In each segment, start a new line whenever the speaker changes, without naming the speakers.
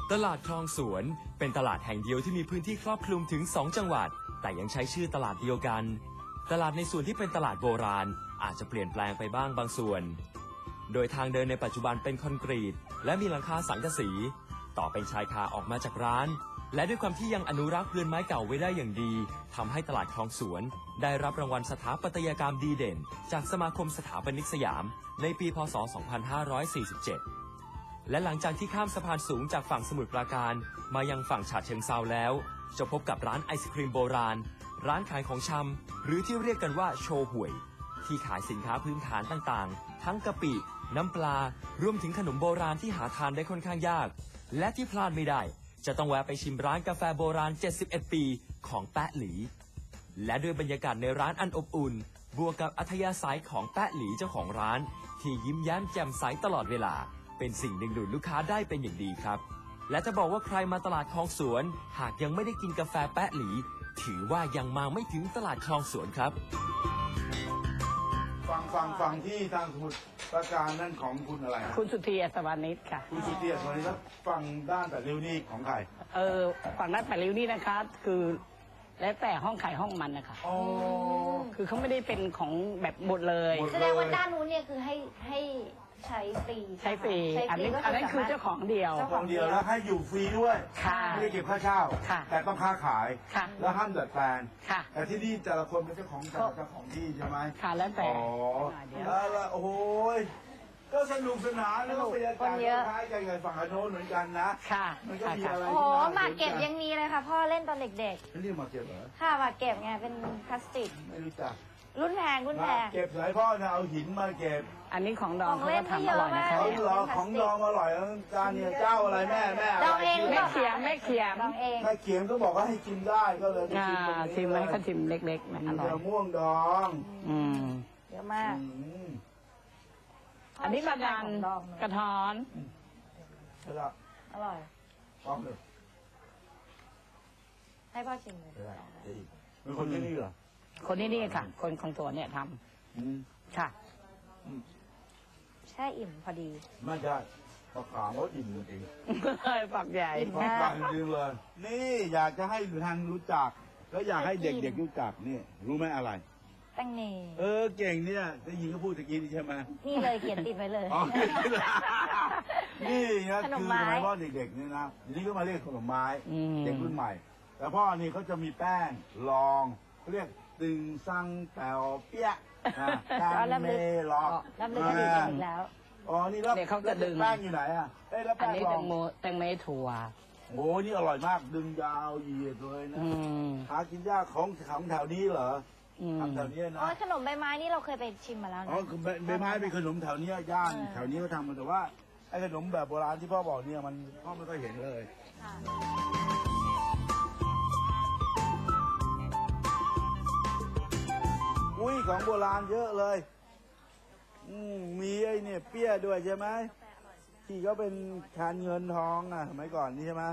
ตลาดคลองสวนเป็นตลาดแห่งเดียวที่มีพื้นที่ครอบคลุมถึง2จังหวัดแต่ยังใช้ชื่อตลาดเดียวกันตลาดในส่วนที่เป็นตลาดโบราณอาจจะเปลี่ยนแปลงไปบ้างบางส่วนโดยทางเดินในปัจจุบันเป็นคอนกรีตและมีหลังคาสังกะสีต่อเป็นชายคาออกมาจากร้านและด้วยความที่ยังอนุรักษ์เรือนไม้เก่าไว้ได้อย่างดีทำให้ตลาดคลองสวนได้รับรางวัลสถาปัตยกรรมดีเด่นจากสมาคมสถาปนิกสยามในปีพ.ศ. 2547และหลังจากที่ข้ามสะพานสูงจากฝั่งสมุทรปราการมายังฝั่งฉะเชิงเทราแล้วจะพบกับร้านไอศครีมโบราณร้านขายของชำหรือที่เรียกกันว่าโชห่วยที่ขายสินค้าพื้นฐานต่างๆทั้งกะปิน้ำปลารวมถึงขนมโบราณที่หาทานได้ค่อนข้างยากและที่พลาดไม่ได้จะต้องแวะไปชิมร้านกาแฟโบราณ71ปีของแป๊ะหลีและด้วยบรรยากาศในร้านอันอบอุ่นบวกกับอัธยาศัยของแป๊ะหลีเจ้าของร้านที่ยิ้มแย้มแจ่มใสตลอดเวลาเป็นสิ่งดึงดูดลูกค้าได้เป็นอย่างดีครับและจะบอกว่าใครมาตลาดคลองสวนหากยังไม่ได้กินกาแฟแป๊ะหลีถือว่ายังมาไม่ถึงตลาดคลองสวนครับ
ฟังที่ทางสมุทรปราการนั่นของคุณอะไรนะ
คุณสุธีอัศวานิชค่ะ
คุณสุธีอัศวานิชแล้วฝั่งด้านแต่ริ้วนี่ของใคร
ฝั่งด้านแปดริ้วนี่นะคะคือแล้วแต่ห้องขายห้องมันนะคะคือเขาไม่ได้เป็นของแบบหมดเลย
แสดงว่าด้านนู้นเนี่ยคือให้ใช้ฟรี
อันนั้นคือเจ้าของเดียว
แล้วให้อยู่ฟรีด้วยไม่ได้เก็บค่าเช่าแต่ต้องค้าขายแล้วห้ามดัดแปลงแต่ที่นี่แต่ละคนเป็นเจ้าของที่ใช่ไหม
ค่ะแล้วแต่
แล้วโอ้ยก็สนุกสนานแล้วก็บรรยากาศคล้ายกันกับฝั่งโน้นเหมือนกันนะมันก็มีอะไร
โอ้หมากเก็บยังมีเลยค่ะพ่อเล่นตอนเด็ก
ๆนี่หมากเก็บเหรอ
ค่ะหมากเก็บไงเป็นพลาสติก
ไม่รู้จัก
รุ่นแพง
เก็บสายพ่อเนี่ยเอาหินมาเก็บ
อันนี้ของดองเขาทำอร่อยนะคะ
ของดองอร่อยจานเนี่ยเจ้าอะไรแม่
ดองเอง
ไม่เขียม
ดองเอง
ไม่เขียมก็บอกว่าให้กินได้ก็เลย
ชิมไหมเขาชิมเล็กๆนะอร่อย
ม่วงดอง
เยอะมาก
อันนี้กระดานกระท้อน
อร่อย
พร้อมเลย
ให้พ่อชิมเลย
เป็นคนที่นี่เหรอ
คนที่นี่ค่ะคนของตัวเนี่ยทำค่ะ
แช่อิ่มพอดี
ไม่ใช่ปากกาเขาอิ่มจริง
ปากใหญ่
ปากใหญ่จริงเลยนี่อยากจะให้ทางรู้จักแล้วอยากให้เด็กๆรู้จักนี่รู้ไหมอะไร
แตงเม
เก่งเนี่ยได้ยินเขาพูดตะกี้นี่ใช่ไหม
นี่เลยเขียนติดไว้เลย
นี่นะคือสมัยพ่อเด็กๆนี่นะนี่ก็มาเรียกขนมไม้เด็กรุ่นใหม่แต่พ่อนี่เขาจะมีแป้งรองเขาเรียกตึงซังแปวเปี้ย
แป้งเมลอกรับเลยก็ดีกันอีกแล้ว
นี่แล้ว
เขาจะดึง
แป้งอยู่ไหนแล้ว
อันนี้แตงเมถั่ว
โอ้นี่อร่อยมากดึงยาวเหยียดเลยนะหากินยากของแถวนี้เหรอทำแถวนี้นะ
ขนมใบไม้นี่เราเคยไปชิมมาแล้วนะ
ใบไม้เป็นขนมแถวนี้ย่านแถวนี้เขาทำมาแต่ว่าไอ้ขนมแบบโบราณที่พ่อบอกเนี่ยมันพ่อไม่ค่อยเห็นเลยอุ้ยของโบราณเยอะเลยมีไอ้เนี่ยเปี้ยด้วยใช่ไหมที่เขาเป็นคานเงินทองสมัยก่อนนี่ใช่ไหม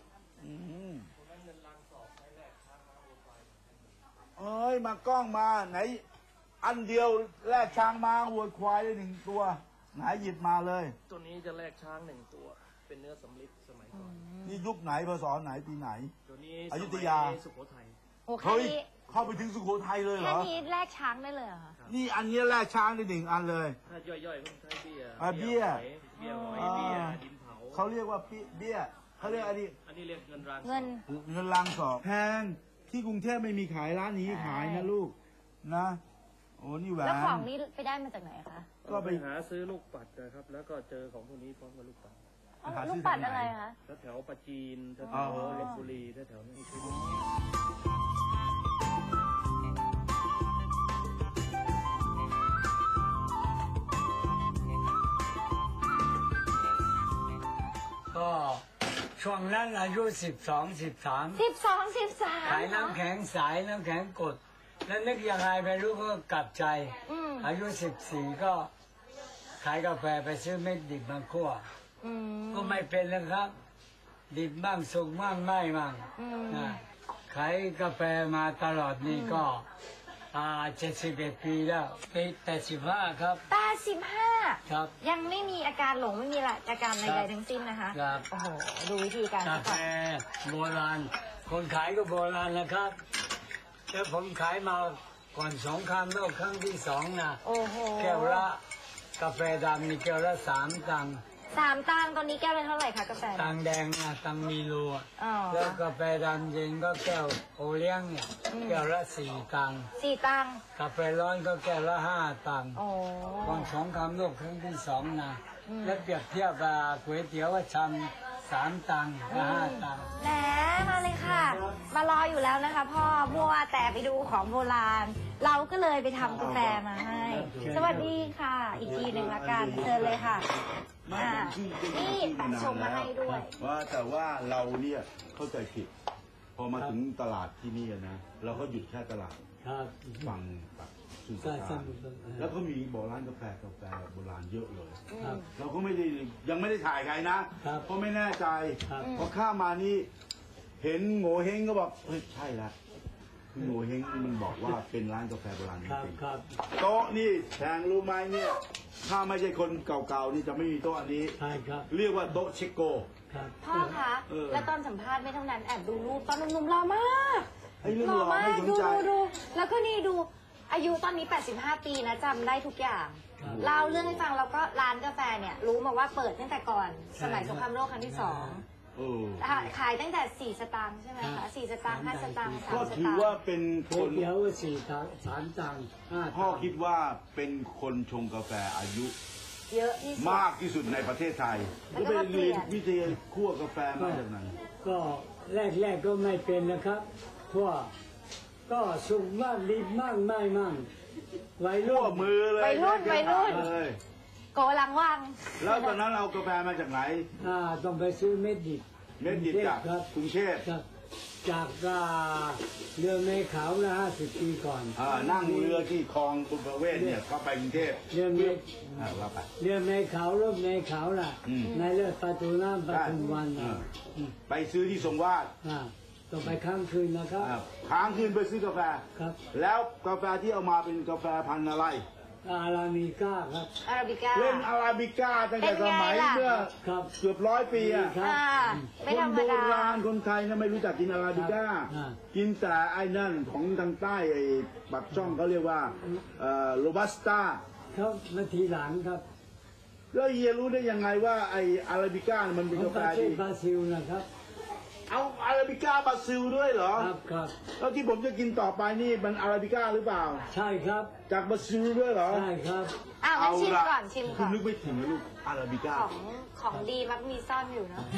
มากล้องมาไหนอันเดียวแลกช้างมาวัวควายได้1 ตัวไหนหยิบมาเลย
ตัวนี้จะแลกช้าง1 ตัวเป็นเนื้อสำริดสมัยก่อน
นี่ยุคไหนพศไหนปีไหน
ตัวนี้
อยุธยา
สุโขทัย
เฮ้ย
เข้าไปถึงสุโขทัยเลยเหรอ
แค่นี้แลกช้างได้เลยเหรอ
นี่อันนี้แลกช้างได้1 อันเลย
ถ้าย่อยๆก็ใช้เบี้ย
เบี้ย
ดินเผา
เขาเรียกว่าเบี้ยเขาเรียกอัน
นี้เรียกเงินราง
เ
งินรางสอบแพงที่กรุงเทพไม่มีขายร้านนี้ขายนะลูกนะโอ้นี่แหวน
แล้วของนี้ไปได้มาจากไหนคะ
ก็ไปหาซื้อลูกปัดนะครับแล้วก็เจอของพวกนี้พร้อมกับลูกปัด
ลูกปัดอะไรคะ
แถวปราจีนแถวลพบุรีแถวนี้
ก็ช่วงนั้นอายุ13 ขายน้ำแข็งสายน้ำแข็งกดแล้วนึกยังไงไม่รู้ก็กลับใจอายุ14ก็ขายกาแฟไปซื้อเม็ดดิบมาคั่วก็ไม่เป็นนะครับดิบบ้างสุกบ้างไม่บ้างขายกาแฟมาตลอดนี่ก็ 71 ปีแล้วปี85 ครับ
85
ครับ
ยังไม่มีอาการหลงไม่มีอาการใดๆทั้งสิ้นนะคะ
ครับ
โอ้โห ดูวิธีการ
กา
ซะ
แฟ
ก่อน
โบราณ คนขายก็โบราณนะครับแล้วผมขายมาก่อนสงครามโลกครั้งที่2นะ
โอ้โห
แก้วละกาแฟดำมีแก้วละ3 ตังค์
3 ตังค์ตอนนี้แก้วละเท่าไหร่คะกาแฟ
ตังค์แดงนะตังค์มีรูอะ
อ๋อ
แล้วกาแฟดำเย็นก็แก้วโอเลี้ยงเนี่ยแก้วละ4 ตังค์
4 ตังค์
กาแฟร้อนก็แก้วละ5 ตังค์
โอ้
ก่อนสงครามโลกครั้งที่2นะแล้วเปรียบเทียบก๋วยเตี๋ยวว่าชำ3 ตังค์กับ5 ตังค์
แหมมาเลยค่ะ มารออยู่แล้วนะคะพ่อมัวแต่ไปดูของโบราณ เราก็เลยไปทำกาแฟมาให้ สวัสดีค่ะ อีกทีหนึ่งละกันเชิญเลยค่ะนี่แปะชมมาให้ด้วย
ว่าแต่ว่าเราเนี่ยเข้าใจผิด พอมาถึงตลาดที่นี่นะเราก็หยุดแค่ตลาด
ครับ
ฝั่งแบบสุสาน
ใช่
แล้วก็มีบ่อร้านกาแฟโบราณเยอะเลย
ครับ
เราก็ไม่ได้ยังไม่ได้ถ่ายใครนะ
ครับ
เพราะไม่แน่ใจ
ครับ
พอข้ามมานี่เห็นโง่เฮงก็บอกเฮ้ยใช่ละคือโง่เฮงมันบอกว่าเป็นร้านกาแฟโบราณจ
ครับ
ริง
ครับ
ๆโต๊ะนี่แพงรู้ไหมเนี่ยถ้าไม่ใช่คนเก่าๆนี่จะไม่มีโต๊ะอันนี้
ใช่ครับ
เรียกว่าโต๊ะเชโก
ครับ
พ่อคะ
เออ
แล้วตอนสัมภาษณ์ไม่เท่านั้นแอบดูรูปตอนหนุ่มๆหล่อมาก
ไอ้เรื่อง
หล่อ
รอ
มาก
ไม่สน
ดู
ใจ
ดูแล้วก็นี่ดูอายุตอนนี้ 85 ปีนะจำได้ทุกอย่าง
ครับ
เล่าเรื่องให้ฟังแล้วก็ร้านกาแฟเนี่ย รู้มาว่าเปิดตั้งแต่ก่อน
ใช่
สมัยสงครามโลกครั้งที่
ใช่
เออ
2ขายตั้งแต่4 สตางค์ใช่ไหม
ครั
คะ
บ
4 สตางค์5 สตางค์3
ก็
ส
ถือ
ตาง
ว่า
ค์
เป็นค
ก๋วย
น
เตี๋ยว4 ตังค์3 ตังค์5
พ่อ
ตังค์
คิดว่าเป็นคนชงกาแฟอายุ
เยอะที่สุด
มากที่สุดในประเทศไทย
แล้ว
ก็
ก็
ไป
มาเปลี่
เรีย
ย
น
น
วิทยาคั่วกาแฟมาจากไหน
ก็แรกก็ไม่เป็นนะครับเพราะว่าก็สุกมากดีมากไม่มั่งวัย
คั่
รุ่
วน มือเลย
วัยรุ่น
ใช้
วัยรุ่น
เลย
โกลังวัง
แล้วตอนนั้นเอากาแฟมาจากไหน
ต้องไปซื้อเม็ดดิบ
เม็ดดิบจาก
ครับ
กรุงเทพ
ครับจากเรือเมขาวนะ50 ปีก่อน
นั่งเรือที่คลองบุญประเวศเนี่ยเข้าไปกรุงเทพ
เรือเม
ว่าไป
เรือเมขาวรถเมขาวน่ะ
อืม
ในเรือประตูน้ำปทุมวัน
เอ
น่ะ
อไปซื้อที่ทรงวาด
ต้องไปค้างคืนนะครับ
ค้างคืนไปซื้อกาแฟ
ครับ
แล้วกาแฟที่เอามาเป็นกาแฟพันธุ์อะไร
อารามิก้าครับ
อาราบิก้า
เล่นอาราบิก้าตั้งแต่สมัย
เป็นไงล่ะ
เมื่อ
ครับ
เกือบ100 ปีอะ
ครับ
ไม่
ค
ธร
น
รม
โบ
ดา
ราณคนไทยนะไม่รู้จักกินอาราบิก้า
อ่า
กินแต่ไอ้นั่นของทางใต้ไอ้ปากช่องเขาเรียกว่าโรบัสต้า
เขามาทีหลังครับ
แล้วเฮียรู้ได้ยังไงว่าไอ้อาราบิก้ามันเป็น
ของ
กาแฟ
ประเท
ดี
ศบราซิลนะครับ
เอาอาราบิก้าบราซิลด้วยเหรอ
ครับครับ
แล้วที่ผมจะกินต่อไปนี่มันอาราบิก้าหรือเปล่า
ใช่ครับ
จากบราซิลด้วยเหรอ
ใช่ครับ
งั้นชิมก่อนชิม
คุ
ก่
ณ
อน
นึกไม่ถึงนะลูกอาราบิก้า
ของดีมักมีซ่อนอยู่เนาะ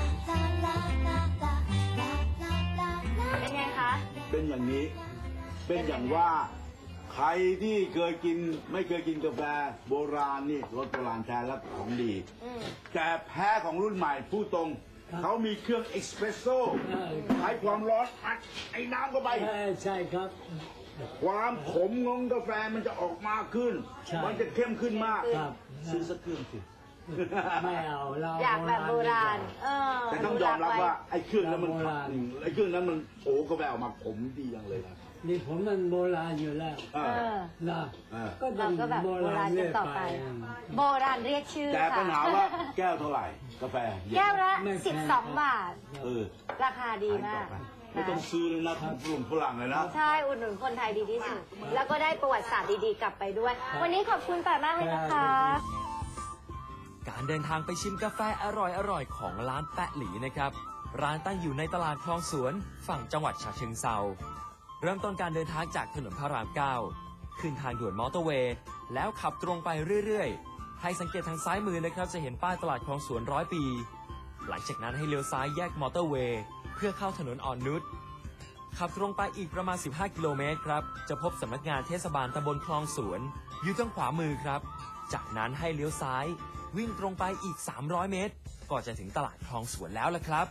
เป็นไงคะ
เป็นอย่างนี้ เป็นอย่างว่าใครที่เคยกินไม่เคยกินกาแฟโบราณนี่รสโบราณแท้และของดี
อืม
แต่แพ้ของรุ่นใหม่พูดตรง
ครับ
เขามีเครื่องเอ็กซ์เพรสโซ่
ใช่
ใช้ความร้อนอัดไอ้น้ำเข้าไป
ใช่ครับ
ความขมของกาแฟมันจะออกมากขึ้น
ใช่
มันจะเข้มขึ้นมาก
ครับ
ซื้อสักเครื่องสิ
ไม่เอาเรา
อยากแบบโบราณ
แต่ต้องยอมรับว่าไอ้เครื่องนั้นมัน
โบราณ
ไอ้เครื่องนั้นมันโอ้กาแฟออกมาขมดีจังเลยนะ
นี่ผมมันโบราณอยู่แล้ว
เออ
นะ
เออ
ก็ต้
เรา
อง
ก็แบบโบราณกันต่อไป โบราณเรียกชื่อ
แต่
ค่ะ
ปัญหาว่าแก้วเท่าไหร่ กาแฟเย็น
แก้วละ
ไม่แพง
12 บาท
เออ
ราคาดีมาก
ไม่ต้องซื้อเลยนะกลุ่มฝรั่งเลยนะ
ใช่อุดหนุนคนไทยดีที่สุด แล้วก็ได้ประวัติศาสตร์ดีๆกลับไปด้วย วันนี้ขอบคุณป่ามากเลยนะคะ
การเดินทางไปชิมกาแฟอร่อยๆของร้านแปะหลีนะครับ ร้านตั้งอยู่ในตลาดคลองสวนฝั่งจังหวัดฉะเชิงเทราเริ่มต้นการเดินทางจากถนนพระราม 9 ขึ้นทางด่วนมอเตอร์เวย์แล้วขับตรงไปเรื่อยๆ ให้สังเกตทางซ้ายมือนะครับจะเห็นป้ายตลาดคลองสวน100 ปี หลังจากนั้นให้เลี้ยวซ้ายแยกมอเตอร์เวย์เพื่อเข้าถนนอ่อนนุชขับตรงไปอีกประมาณ 15 กิโลเมตรครับจะพบสำนักงานเทศบาลตำบลคลองสวนอยู่ทางขวามือครับ จากนั้นให้เลี้ยวซ้ายวิ่งตรงไปอีก 300 เมตร ก็จะถึงตลาดคลองสวนแล้วล่ะครับ